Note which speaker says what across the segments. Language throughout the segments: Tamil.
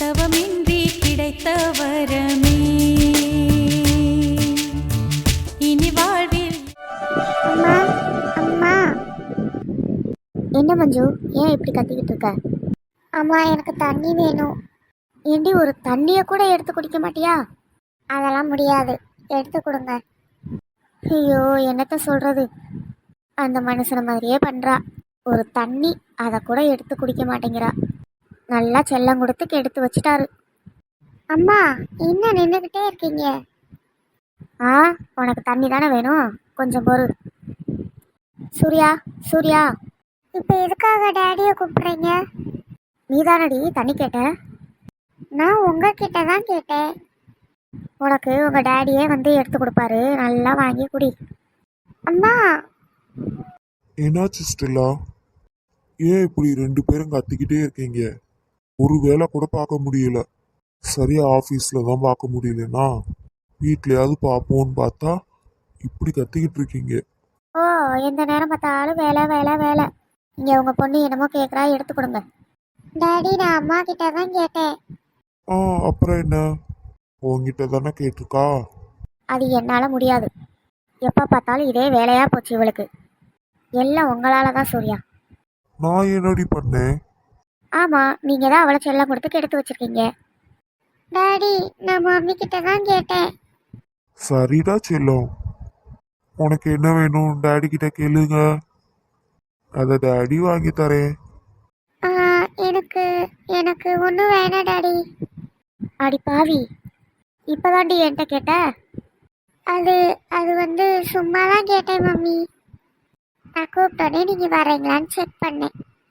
Speaker 1: தவமின்றி கிடைத்த வரமே இனி வாழ்வில்.
Speaker 2: அம்மா அம்மா. என்ன மஞ்சு, ஏன் இப்படி கத்திக்கிட்டு இருக்க? அம்மா எனக்கு தண்ணி வேணும். ஏண்டி ஒரு தண்ணியை கூட எடுத்து குடிக்க மாட்டியா? அதெல்லாம் முடியாது, எடுத்து கொடுங்க. ஐயோ என்னத்த சொல்றது, அந்த மனுஷன மாதிரியே பண்றா. ஒரு தண்ணி அதை கூட எடுத்து குடிக்க மாட்டேங்கிறா. நல்லா செல்லம் கொடுத்து எடுத்து வச்சிட்டாரு. அம்மா என்ன நின்றுக்கிட்டே இருக்கீங்க? ஆ, உனக்கு தண்ணி தானே வேணும், கொஞ்சம் பொறு. சூர்யா சூர்யா. இப்போ எதுக்காக டேடியை கூப்பிடுறீங்க? நீ தானடி தண்ணி கேட்ட. நான் உங்ககிட்ட தான் கேட்டேன். உனக்கு உங்க டேடியே வந்து எடுத்து கொடுப்பாரு, நல்லா வாங்கி குடி. அம்மா.
Speaker 3: என்னாச்சு ஸ்டெல்லா? ஏன் இப்படி ரெண்டு பேரும் கத்திக்கிட்டே இருக்கீங்க? ஒரு வேலை கூட பார்க்க முடியல. சரியா ஆஃபீஸில் தான் பார்க்க முடியலன்னா வீட்லையாவது பார்ப்போன்னு பார்த்தா இப்படி கத்திக்கிட்டு இருக்கீங்க.
Speaker 2: ஓ, எந்த நேரம் பார்த்தாலும் வேலை வேலை வேலை. இங்கே உங்க பொண்ணு என்னமோ கேட்குறா, எடுத்து கொடுங்க. டாடி நான் அம்மா கிட்ட தான் கேட்டேன்.
Speaker 3: அப்புறம் என்ன, உங்ககிட்ட தானே கேட்டிருக்கா?
Speaker 2: அது என்னால் முடியாது. எப்போ பார்த்தாலும் இதே வேலையாக போச்சு இவளுக்கு. எல்லாம் உங்களால தான் சூர்யா.
Speaker 3: நான் என்னடி பண்ணேன்?
Speaker 2: ஆமாம், நீங்கள் தான் அவளை செல்லம் கொடுத்து எடுத்து வச்சிருக்கீங்க. டாடி நான் மம்மி கிட்ட தான் கேட்டேன்.
Speaker 3: சரிடா செல்லம், உனக்கு என்ன வேணும் டேடி கிட்ட கேளுங்க, அதை டேடி வாங்கி தரேன்.
Speaker 2: எனக்கு எனக்கு ஒன்றும் வேணாம் டாடி. அடி பாவி, இப்போதாண்டி என்கிட்ட கேட்ட? அது அது வந்து சும்மா தான் கேட்டேன் மம்மி. நான் கூப்பிட்டோன்னே நீங்கள் வரீங்களான்னு செக் பண்ணேன்.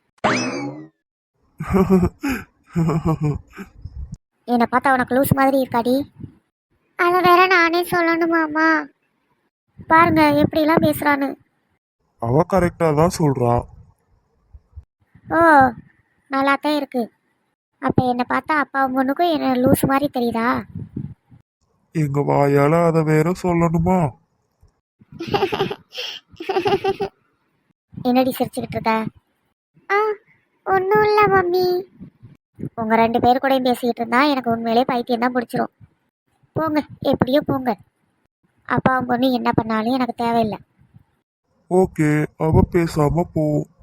Speaker 2: என்னை பார்த்தா உனக்கு லூஸ் மாதிரி இருக்காடி. அதை வேற நானே சொல்லணுமாம்மா? பாருங்க எப்படிலாம் பேசுறான்னு.
Speaker 3: அவ கரெக்டா தான் சொல்றா.
Speaker 2: ஓ, நல்லாத்தான் இருக்கு. அப்போ என்னை பார்த்தா அப்பா பொண்ணுக்கும் என்ன லூஸ் மாதிரி தெரியுதா?
Speaker 3: எங்க வாயால அதை வேற சொல்லணுமா?
Speaker 2: என்னடி சிரிச்சுக்கிட்டு இருக்க? ஒன்றும் இல்லை மம்மி. உங்கள் ரெண்டு பேர் கூட பேசிக்கிட்டு இருந்தா எனக்கு உண்மையிலே பைத்தியம் தான் பிடிச்சிரும். போங்க, எப்படியோ போங்க. அப்பாவும் பொண்ணு என்ன பண்ணாலும் எனக்கு தேவையில்லை.
Speaker 3: ஓகே, அவ பேசாம போ.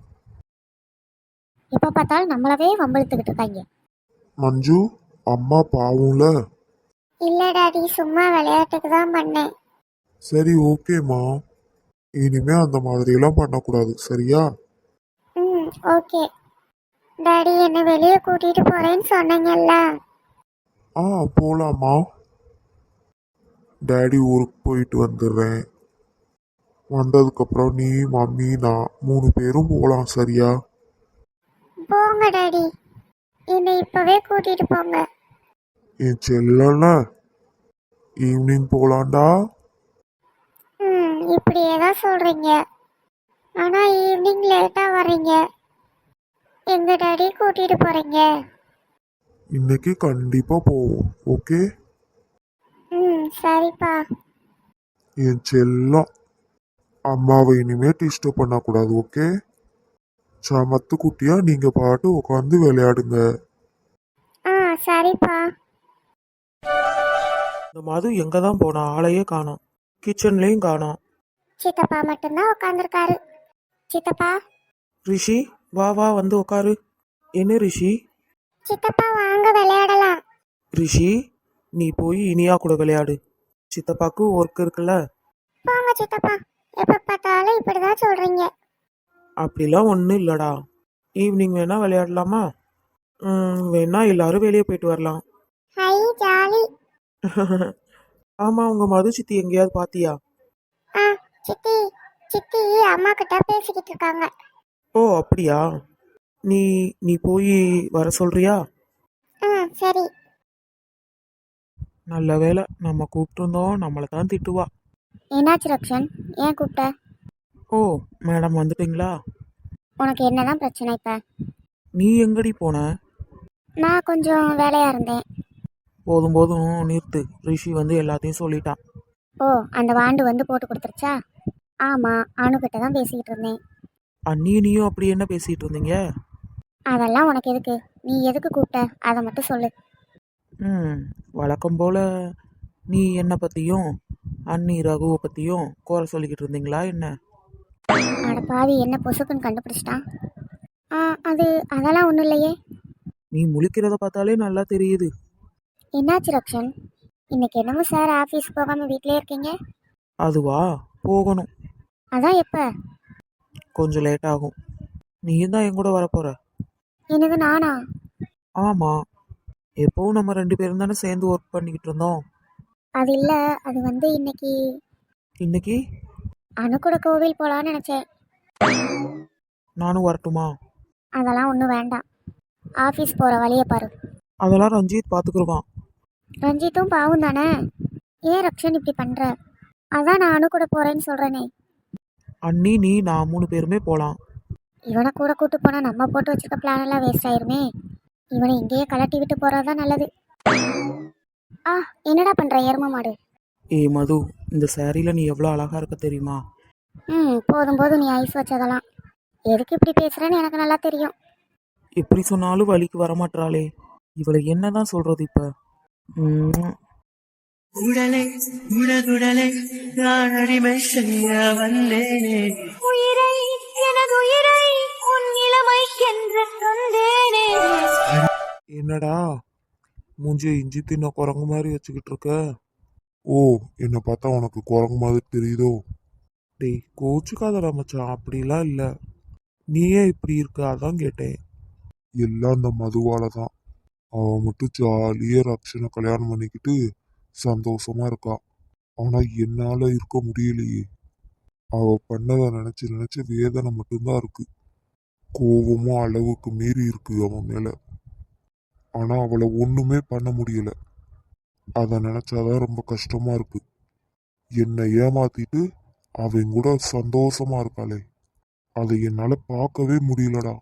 Speaker 2: எப்போ பார்த்தாலும் நம்மளவே வம்பிழுத்துக்கிட்டு இருக்காங்க.
Speaker 3: மஞ்சு, அம்மா பாவும்ல.
Speaker 2: இல்லை டாடி, சும்மா விளையாட்டுக்கு தான் பண்ணேன்.
Speaker 3: சரி ஓகேம்மா, இனிமே அந்த மாதிரி எல்லாம் பண்ணக்கூடாது, சரியா?
Speaker 2: ம், ஓகே. டாடி என்னை வெளியே கூட்டிட்டு போறேன்னு சொன்னீங்கல்ல.
Speaker 3: போலாமா? டேடி ஊருக்கு போயிட்டு வந்துடுறேன். வந்ததுக்கப்புறம் நீ மம்மி நான் 3 பேரும் போகலாம், சரியா?
Speaker 2: போங்க டாடி, என்னை இப்பவே கூட்டிட்டு போங்க.
Speaker 3: என் செல்லல, ஈவினிங் போகலாண்டா.
Speaker 2: இப்படியே தான் சொல்றீங்க, ஆனா ஈவினிங் லேட்டா வர்றீங்க. எங்க டாடி கூட்டிட்டு போறீங்க?
Speaker 3: இன்னைக்கு கண்டிப்பா போவோம், ஓகே?
Speaker 2: சரிப்பா.
Speaker 3: என் செல்லம், அம்மாவை இனிமே டிஸ்டர்ப் பண்ணக்கூடாது, ஓகே? சமத்து குட்டியா நீங்க பாட்டு உட்காந்து விளையாடுங்க.
Speaker 2: சரிப்பா.
Speaker 4: இந்த மது எங்க தான் போனா, ஆளையே காணோம், கிச்சன்லயும் காணோம்.
Speaker 2: சித்தப்பா மட்டும்தான் உட்காந்துருக்காரு. சித்தப்பா.
Speaker 4: ரிஷி வா வா வந்து உட்காரு. என்ன ரிஷி?
Speaker 2: சித்தப்பா வாங்க விளையாடலாம்.
Speaker 4: ரிஷி நீ போய் இனியா கூட விளையாடு, சித்தப்பாக்கு ஒர்க் இருக்குல்ல.
Speaker 2: போங்க சித்தப்பா, எப்ப பார்த்தாலும் இப்படிதான் சொல்றீங்க.
Speaker 4: அப்படிலாம் ஒன்றும் இல்லடா, ஈவினிங் வேணா விளையாடலாமா? வேணா எல்லாரும் வெளியே போயிட்டு வரலாம்.
Speaker 2: Hi jolly.
Speaker 4: ஆமா, உங்க மது சித்தி எங்கேயாவது பாத்தியா?
Speaker 2: சித்தி சித்தி அம்மா கிட்ட பேசிக்கிட்டு இருக்காங்க.
Speaker 4: ஓ அப்படியா, நீ நீ போய் வர சொல்றியா?
Speaker 2: சரி.
Speaker 4: நல்ல வேலை, நம்ம கூப்பிட்டுருந்தோம், நம்மளை தான் திட்டுவா.
Speaker 2: என்னாச்சு ரக்ஷன், ஏன் கூப்பிட்ட?
Speaker 4: ஓ மேடம் வந்துட்டீங்களா?
Speaker 2: உனக்கு என்னதான் பிரச்சனை இப்ப?
Speaker 4: நீ எங்கடி போன?
Speaker 2: நான் கொஞ்சம் வேலையா இருந்தேன்.
Speaker 4: போதும் போதும் நிறுத்து, ரிஷி வந்து எல்லாத்தையும் சொல்லிட்டான்.
Speaker 2: ஓ, அந்த வாண்டு வந்து போட்டு கொடுத்துருச்சா? ஆமா, அணுகிட்ட தான் பேசிக்கிட்டு இருந்தேன்.
Speaker 4: அண்ணியும் அப்படி என்ன பேசிட்டு இருந்தீங்க?
Speaker 2: அதெல்லாம் உனக்கு எதுக்கு? நீ எதுக்கு கூப்பிட்ட அதை மட்டும் சொல்லு.
Speaker 4: ம் வழக்கம் போல் நீ என்னை பற்றியும் அண்ணி ரகுவை பற்றியும் குறை சொல்லிக்கிட்டு இருந்தீங்களா என்ன?
Speaker 2: அட பாவி, என்ன பொசுக்குன்னு கண்டுபிடிச்சிட்டான். ஆ, அது அதெல்லாம் ஒன்றும் இல்லையே.
Speaker 4: நீ முழிக்கிறத பார்த்தாலே நல்லா தெரியுது.
Speaker 2: என்னாச்சு ரக்ஷன்? இன்னைக்கு என்னமோ சார் ஆஃபீஸ் போகாமல் வீட்டிலே இருக்கீங்க.
Speaker 4: அதுவா, போகணும்.
Speaker 2: அதான் எப்போ?
Speaker 4: கொஞ்சம் லேட் ஆகும். நீயும் தான் என் கூட வரப்போற.
Speaker 2: என்னது, நானா?
Speaker 4: ஆமாம், எப்போவும் நம்ம 2 பேரும் தானே சேர்ந்து ஒர்க் பண்ணிக்கிட்டு இருந்தோம்.
Speaker 2: அது இல்லை, அது வந்து இன்னைக்கு
Speaker 4: இன்னைக்கு
Speaker 2: அணு கூட கோவில் போகலான்னு நினச்சேன்.
Speaker 4: நானும் வரட்டுமா?
Speaker 2: அதெல்லாம் ஒன்றும் வேண்டாம். ஆஃபீஸ் போகிற வழியை பாரு.
Speaker 4: அதெல்லாம் ரஞ்சித் பார்த்துக்குருவான்.
Speaker 2: ரஞ்சித்தும் பாவும் தானே. ஏன் ரக்ஷன் இப்படி பண்ணுற? அதான் நான் அணு கூட போகிறேன்னு சொல்கிறேனே.
Speaker 4: அண்ணி, நீ, நான் 3 பேருமே போகலாம்.
Speaker 2: இவனை கூட கூட்டு போனால் நம்ம போட்டு வச்சிருக்க பிளான் எல்லாம் வேஸ்ட் ஆயிருமே. இவனை இங்கேயே கலட்டி விட்டு போகிறதான் நல்லது. ஆ, என்னடா பண்ணுற எரும மாடு?
Speaker 4: ஏய் மது, இந்த சாரியில் நீ எவ்வளோ அழகா இருக்க தெரியுமா?
Speaker 2: போதும் போதும், நீ ஐஸ் வச்சதெல்லாம். எதுக்கு இப்படி பேசுகிறேன்னு எனக்கு நல்லா தெரியும்.
Speaker 4: எப்படி சொன்னாலும் வழிக்கு வரமாட்டாளே, இவளை என்னதான் சொல்றது இப்போ?
Speaker 5: உடலை உடகுடலை நான் அடிமை செய்ய வந்தேனே.
Speaker 2: உயிரை, எனது உயிரை உன் இளமை என்று தந்தேனே.
Speaker 3: என்னடா மூஞ்சிய இஞ்சி தின்ன குரங்கு மாதிரி வச்சுக்கிட்டு இருக்க? ஓ, என்னை பார்த்தா உனக்கு குரங்கு மாதிரி தெரியுதோ? டேய், கோச்சுக்காதடா மச்சான், அப்படிலாம் இல்லை. நீயே இப்படி இருக்க, அதான் கேட்டேன். எல்லாம் அந்த மதுவால தான். அவன் மட்டும் ஜாலியா ரக்ஷனை கல்யாணம் பண்ணிக்கிட்டு சந்தோஷமா இருக்கா. ஆனா என்னால இருக்க முடியலையே. அவ பண்ணதை நினைச்சு நினைச்சு வேதனை மட்டும்தான் இருக்கு. கோபமும் அளவுக்கு மீறி இருக்கு அவன் மேல. ஆனா அவளை ஒண்ணுமே பண்ண முடியல. அதை நினைச்சாதான் ரொம்ப கஷ்டமா இருக்கு. என்னை ஏமாத்திட்டு அவன் கூட சந்தோஷமா இருக்காளே, அதை என்னால பார்க்கவே முடியலடா.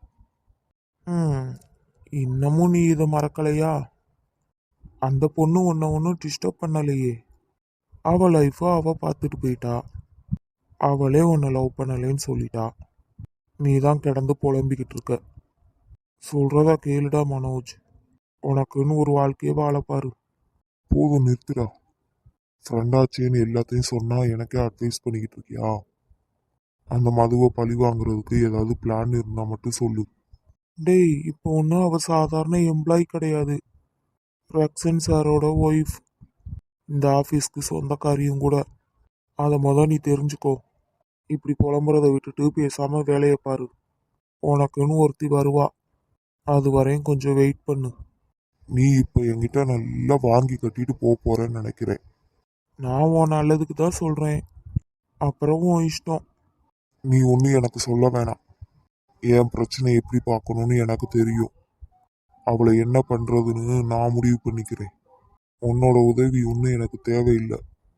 Speaker 3: இன்னமும் நீ இதை மறக்கலையா? அந்த பொண்ணு உன்னை ஒன்றும் டிஸ்டர்ப் பண்ணலையே. அவ லைஃபை அவ பார்த்துட்டு போயிட்டா. அவளே உன்னை லவ் பண்ணலேன்னு சொல்லிட்டா. நீ தான் கிடந்து புலம்பிக்கிட்டு இருக்க. சொல்றதா கேளுடா மனோஜ், உனக்குன்னு ஒரு வாழ்க்கையை வாழப்பாரு. போதும், நிறுத்துடா. ஃப்ரெண்டாச்சேன்னு எல்லாத்தையும் சொன்னா எனக்கே அட்வைஸ் பண்ணிக்கிட்டு இருக்கியா? அந்த மதுவை பழி வாங்குறதுக்கு ஏதாவது பிளான் இருந்தா மட்டும் சொல்லு. டேய், இப்போ ஒன்றும் அவ சாதாரண எம்ப்ளாயி கிடையாது. ரக்ஷன் சாரோட ஒய்ஃப். இந்த ஆஃபீஸ்க்கு சொந்தக்காரியும் கூட. அதை நீ தெரிஞ்சுக்கோ. இப்படி புலம்புறதை விட்டுட்டு பேசாம வேலையை பாரு. உனக்குன்னு ஒருத்தி வருவா. அது வரையும் கொஞ்சம் வெயிட் பண்ணு. நீ இப்போ என்கிட்ட நல்லா வாங்கி கட்டிட்டு போறேன்னு நினைக்கிறேன். நான் உன் நல்லதுக்கு தான் சொல்றேன். அப்புறம் உன் இஷ்டம். நீ ஒன்றும் எனக்கு சொல்ல வேணாம். என் பிரச்சனை எப்படி பார்க்கணும்னு எனக்கு தெரியும். அவளை என்ன பண்றதுன்னு நான் முடிவு பண்ணிக்கிறேன். உன்னோட உதவி ஒன்றும் எனக்கு தேவையில்லை.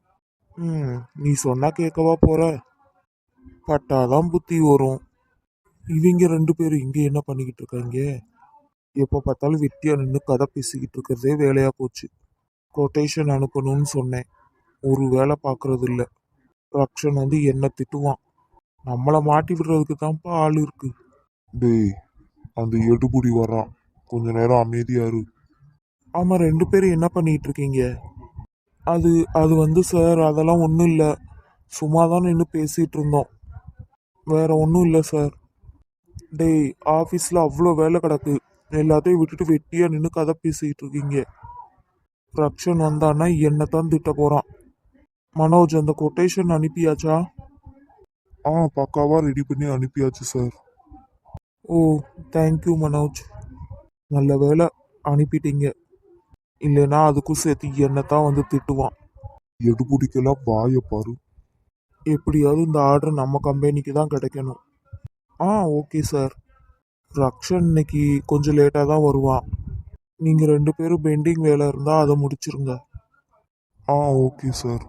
Speaker 3: நீ சொன்னா கேட்கவா போற? பட்டாதான் புத்தி வரும். இவங்க 2 பேரும் இங்க என்ன பண்ணிக்கிட்டு இருக்காங்க? எப்போ பார்த்தாலும் வெட்டியா நின்று கதை பேசிக்கிட்டு இருக்கிறதே வேலையா போச்சு. கொட்டேஷன் அனுப்பணும்னு சொன்னேன், ஒரு வேலை பார்க்கறது இல்லை. ரக்ஷன் வந்து என்ன திட்டுவான். நம்மளை மாட்டி விடுறதுக்கு தான்ப்பா ஆள் இருக்கு. டேய், அந்த எடுபுடி வரான், கொஞ்ச நேரம் அமைதியா இரு. ஆமா, 2 பேரும் என்ன பண்ணிட்டு இருக்கீங்க? அது அது வந்து சார், அதெல்லாம் ஒன்றும் இல்லை. சும்மா தான் நின்று பேசிட்டு இருந்தோம், வேற ஒன்றும் இல்லை சார். டேய், ஆஃபீஸில் அவ்வளோ வேலை கிடக்கு, எல்லாத்தையும் விட்டுட்டு வெட்டியா நின்று கதை பேசிக்கிட்டு இருக்கீங்க. ரக்ஷன் வந்தான்னா என்னை தான் திட்ட போகிறான். மனோஜ், அந்த கொட்டேஷன் அனுப்பியாச்சா? பக்காவா ரெடி பண்ணி அனுப்பியாச்சு சார். ஓ, தேங்க்யூ மனோஜ், நல்ல வேலை அனுப்பிட்டீங்க. இல்லைன்னா அதுக்கும் சேர்த்து என்னை தான் வந்து திட்டுவான். எடுபுடிக்கெல்லாம் வாய பாரு. எப்படியாவது இந்த ஆர்டர் நம்ம கம்பெனிக்கு தான் கிடைக்கணும். Okay sir. ரக்ஷன் இன்னைக்கு கொஞ்சம் லேட்டாக தான் வருவான். நீங்கள் 2 பேரும் பெண்டிங் வேலை இருந்தால் அதை முடிச்சிருங்க. Okay sir.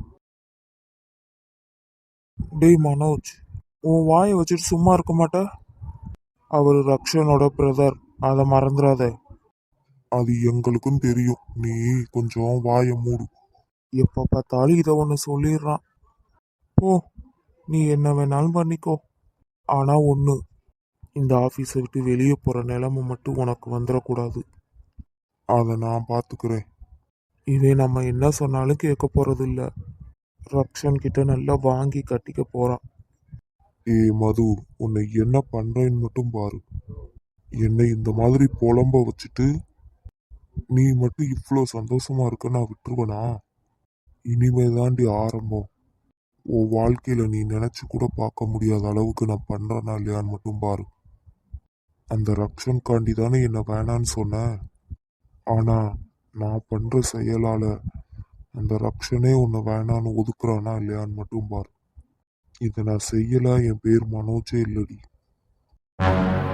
Speaker 3: டேய் மனோஜ், உன் வாயை வச்சுட்டு சும்மா இருக்க மாட்ட? அவர் ரக்ஷனோட பிரதர், அதை மறந்துடாத. அது எங்களுக்கும் தெரியும், நீ கொஞ்சம் வாயை மூடு. எப்போ பார்த்தாலும் இதை ஒன்று சொல்லிடுறான். போ, நீ என்ன வேணாலும் பண்ணிக்கோ. ஆனால் ஒன்று, இந்த ஆஃபீஸை விட்டு வெளியே போகிற நிலைமை மட்டும் உனக்கு வந்துடக்கூடாது. அதை நான் பார்த்துக்கிறேன்.
Speaker 4: இவன் நம்ம என்ன சொன்னாலும் கேட்க போறது இல்ல. ரக்ஷன் கிட்ட நல்லா வாங்கி கட்டிக்க போறான்.
Speaker 3: ஏய் மது, உன்னை என்ன பண்றேன்னு மட்டும் பாரு. என்னை இந்த மாதிரி புலம்ப வச்சுட்டு நீ மட்டும் இவ்வளோ சந்தோஷமா இருக்க நான் விட்டுருவனா? இனிமே தாண்டி ஆரம்பம். உன் வாழ்க்கையில நீ நினைச்சு கூட பார்க்க முடியாத அளவுக்கு நான் பண்றேனா இல்லையான்னு மட்டும் பாரு. அந்த ரக்ஷன் காண்டி தானே என்ன வேணான்னு சொன்னேன். ஆனா நான் பண்ற செயலால அந்த ரக்ஷனே உன்னை வேணான்னு ஒதுக்குறானா இல்லையான்னு மட்டும் பாரு. இதை நான் செய்யல, என் பேர் மனோஜே இல்லடி.